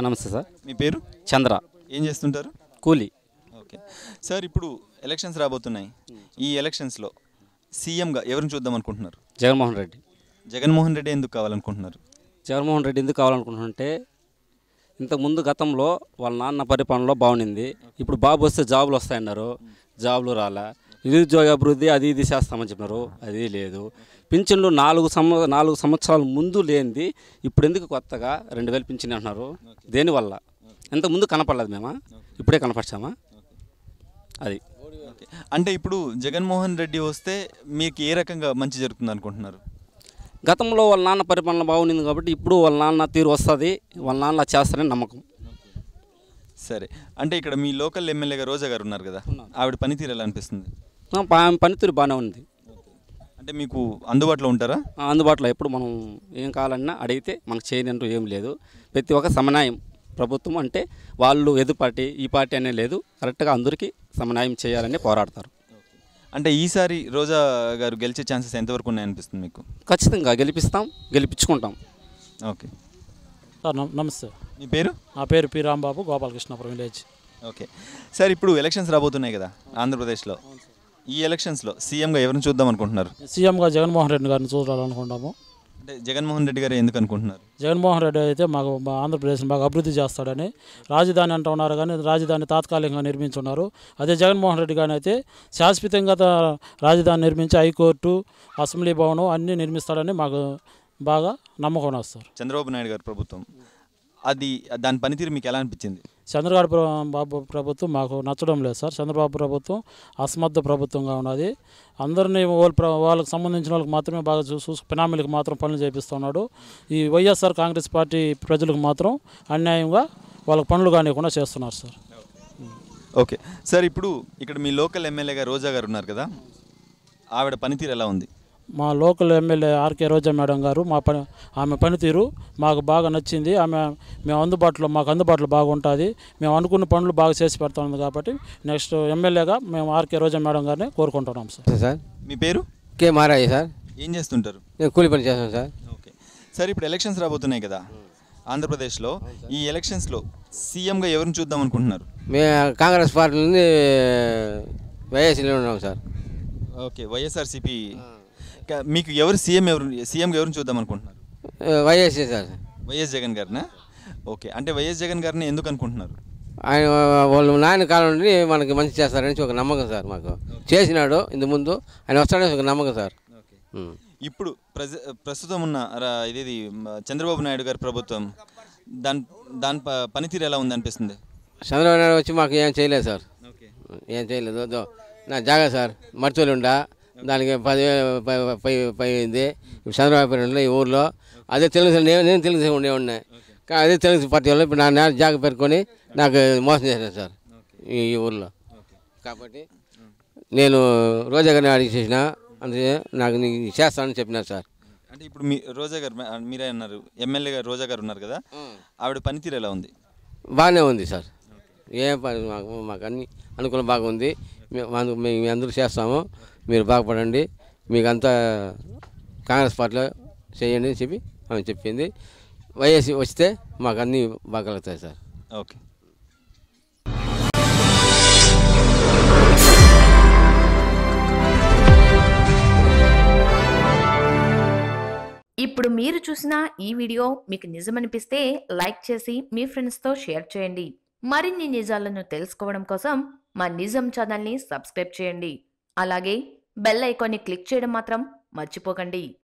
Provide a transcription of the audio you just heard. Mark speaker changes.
Speaker 1: నమస్తే సార్.
Speaker 2: మీ పేరు?
Speaker 1: చంద్ర.
Speaker 2: ఏం చేస్తుంటారు?
Speaker 1: కూలీ.
Speaker 2: ఓకే సార్, ఇప్పుడు ఎలక్షన్స్ రాబోతున్నాయి. ఈ ఎలక్షన్స్లో సీఎంగా ఎవరిని చూద్దాం అనుకుంటున్నారు?
Speaker 1: జగన్మోహన్ రెడ్డి.
Speaker 2: జగన్మోహన్ రెడ్డి ఎందుకు కావాలనుకుంటున్నారు?
Speaker 1: జగన్మోహన్ రెడ్డి ఎందుకు కావాలనుకుంటున్నారంటే ఇంతకుముందు గతంలో వాళ్ళ నాన్న పరిపాలనలో బాగుండింది. ఇప్పుడు బాబు వస్తే జాబులు వస్తాయన్నారు, జాబులు రాలా. నిరుద్యోగ అభివృద్ధి అది ఇది చేస్తామని చెప్పినారు, అది లేదు. పింఛన్లు 4 సంవత్సరాల ముందు లేనిది ఇప్పుడు ఎందుకు కొత్తగా 2000 పింఛన్ అంటున్నారు? దేనివల్ల? ఇంతకుముందు కనపడలేదు మేము, ఇప్పుడే కనపరిచామా? అది
Speaker 2: అంటే ఇప్పుడు జగన్మోహన్ రెడ్డి వస్తే మీకు ఏ రకంగా మంచి జరుగుతుంది అనుకుంటున్నారు?
Speaker 1: గతంలో వాళ్ళ నాన్న పరిపాలన బాగుండింది కాబట్టి ఇప్పుడు వాళ్ళ నాన్న తీరు వస్తుంది, వాళ్ళ నాన్న చేస్తారని నమ్మకం.
Speaker 2: సరే, అంటే ఇక్కడ మీ లోకల్ ఎమ్మెల్యేగా రోజా గారు ఉన్నారు కదా, ఆవిడ పనితీరు ఎలా అనిపిస్తుంది?
Speaker 1: పనితీరు బాగానే ఉంది.
Speaker 2: అంటే మీకు అందుబాటులో ఉంటారా?
Speaker 1: అందుబాటులో ఎప్పుడు మనం ఏం కావాలన్నా అడిగితే మనకు చేయనంటూ ఏం లేదు. ప్రతి ఒక్క సమన్వయం ప్రభుత్వం అంటే వాళ్ళు ఎదు పార్టీ ఈ పార్టీ అనే లేదు, కరెక్ట్గా అందరికీ సమన్వయం చేయాలని పోరాడతారు.
Speaker 2: అంటే ఈసారి రోజా గారు గెలిచే ఛాన్సెస్ ఎంతవరకు ఉన్నాయనిపిస్తుంది మీకు?
Speaker 1: ఖచ్చితంగా గెలిపిస్తాం, గెలిపించుకుంటాం.
Speaker 2: ఓకే
Speaker 3: సార్ నమస్తే.
Speaker 2: మీ పేరు?
Speaker 3: నా పేరు P Rambabu, Gopalakrishnapuram village.
Speaker 2: Okay sir, ఇప్పుడు ఎలక్షన్స్ రాబోతున్నాయి కదా ఆంధ్రప్రదేశ్లో. ఈ ఎలక్షన్స్లో సీఎంగా ఎవరిని చూద్దాం అనుకుంటున్నారు?
Speaker 3: సీఎంగా జగన్మోహన్ రెడ్డి గారిని చూడాలనుకుంటాము.
Speaker 2: అంటే జగన్మోహన్ రెడ్డి గారు ఎందుకు అనుకుంటున్నారు?
Speaker 3: జగన్మోహన్ రెడ్డి అయితే మాకు మా ఆంధ్రప్రదేశ్ని బాగా అభివృద్ధి చేస్తాడని. రాజధాని అంటూ ఉన్నారు కానీ రాజధాని తాత్కాలికంగా నిర్మించున్నారు. అదే జగన్మోహన్ రెడ్డి గారిని అయితే శాశ్వతంగా రాజధాని నిర్మించి హైకోర్టు, అసెంబ్లీ భవనం అన్నీ నిర్మిస్తాడని మాకు బాగా నమ్మకం వస్తారు.
Speaker 2: చంద్రబాబు నాయుడు గారు ప్రభుత్వం దాని పనితీరు మీకు ఎలా అనిపించింది?
Speaker 3: బాబు ప్రభుత్వం మాకు నచ్చడం లేదు సార్. చంద్రబాబు ప్రభుత్వం అసమర్థ ప్రభుత్వంగా ఉన్నది. అందరినీ వాళ్ళకి సంబంధించిన వాళ్ళకి మాత్రమే బాగా పినామీలకు మాత్రం పనులు చేపిస్తున్నాడు. ఈ వైఎస్ఆర్ కాంగ్రెస్ పార్టీ ప్రజలకు మాత్రం అన్యాయంగా వాళ్ళకి పనులు కానివ్వకుండా చేస్తున్నారు సార్.
Speaker 2: ఓకే సార్, ఇప్పుడు ఇక్కడ మీ లోకల్ ఎమ్మెల్యేగా రోజా గారు ఉన్నారు కదా, ఆవిడ పనితీరు ఎలా ఉంది?
Speaker 3: మా local MLA RK Roja madam garu ఆమె పనితీరు మాకు బాగా నచ్చింది. మాకు అందుబాటులో బాగుంటుంది. మేము అనుకున్న పనులు బాగా చేసి పెడతాం కాబట్టి నెక్స్ట్ ఎమ్మెల్యేగా మేము ఆర్కే రోజా మేడం గారిని కోరుకుంటున్నాం సార్.
Speaker 4: సార్
Speaker 2: మీ పేరు?
Speaker 4: కే మారాయి సార్.
Speaker 2: ఏం చేస్తుంటారు?
Speaker 4: నేను కూలి పని చేస్తాను సార్.
Speaker 2: ఓకే సార్, ఇప్పుడు ఎలక్షన్స్ రాబోతున్నాయి కదా ఆంధ్రప్రదేశ్లో. ఈ ఎలక్షన్స్లో సీఎంగా ఎవరిని చూద్దాం అనుకుంటున్నారు?
Speaker 4: మేము కాంగ్రెస్ పార్టీ నుండి వైఎస్లో ఉన్నాం సార్.
Speaker 2: ఓకే, వైఎస్ఆర్సీపీ. మీకు సీఎంగా ఎవరిని చూద్దాం అనుకుంటున్నారు?
Speaker 4: YS sir.
Speaker 2: వైఎస్ జగన్ గారినా? ఓకే, అంటే వైఎస్ జగన్ గారిని ఎందుకు అనుకుంటున్నారు?
Speaker 4: ఆయన వాళ్ళు నాయన కాలం నుండి మనకి మంచి చేస్తారని ఒక నమ్మకం సార్. మాకు చేసినాడు ఇంతకుముందు, ఆయన వస్తాడని ఒక నమ్మకం సార్.
Speaker 2: ఇప్పుడు ప్రస్తుతం ఉన్న ఇది చంద్రబాబు నాయుడు గారి ప్రభుత్వం దాని పనితీరు ఎలా ఉంది అనిపిస్తుంది?
Speaker 4: చంద్రబాబు నాయుడు వచ్చి మాకు ఏం చేయలేదు సార్. ఏం చేయలేదు. నా జాగా సార్ మర్తోలు ఉండా, దానికి 10,000 పోయింది. చంద్రబాబు పేరు ఈ ఊర్లో అదే తెలుగు, నేను తెలుగు ఉండేవాడిని. కానీ అదే తెలుగు పార్టీ వాళ్ళు ఇప్పుడు నా జాగ పెట్టుకొని నాకు మోసం చేశాను సార్ ఈ ఊర్లో. కాబట్టి నేను రోజా గారిని అడిగి చేసిన, అందుకే నాకు నీకు చేస్తానని చెప్పినారు సార్.
Speaker 2: అంటే ఇప్పుడు మీ రోజా గారు మీరే అన్నారు, ఎమ్మెల్యే గారు రోజా గారు ఉన్నారు కదా, ఆవిడ పనితీరు ఎలా ఉంది?
Speaker 4: బాగానే ఉంది సార్. ఏం పని మాకు అన్ని అనుకూలం బాగా ఉంది. మేము అందరూ చేస్తాము, మీరు బాగుపడండి, మీకు అంతా కాంగ్రెస్ పార్టీలో చేయండి అని చెప్పి ఆమె చెప్పింది. వైఎస్ వస్తే మాకు అన్నీ బాగా కలుగుతాయి సార్.
Speaker 2: ఓకే.
Speaker 5: ఇప్పుడు మీరు చూసిన ఈ వీడియో మీకు నిజమనిపిస్తే లైక్ చేసి మీ ఫ్రెండ్స్తో షేర్ చేయండి. మరిన్ని నిజాలను తెలుసుకోవడం కోసం మా నిజం ఛానల్ని సబ్స్క్రైబ్ చేయండి. అలాగే బెల్ ఐకాన్ని క్లిక్ చేయడం మాత్రం మర్చిపోకండి.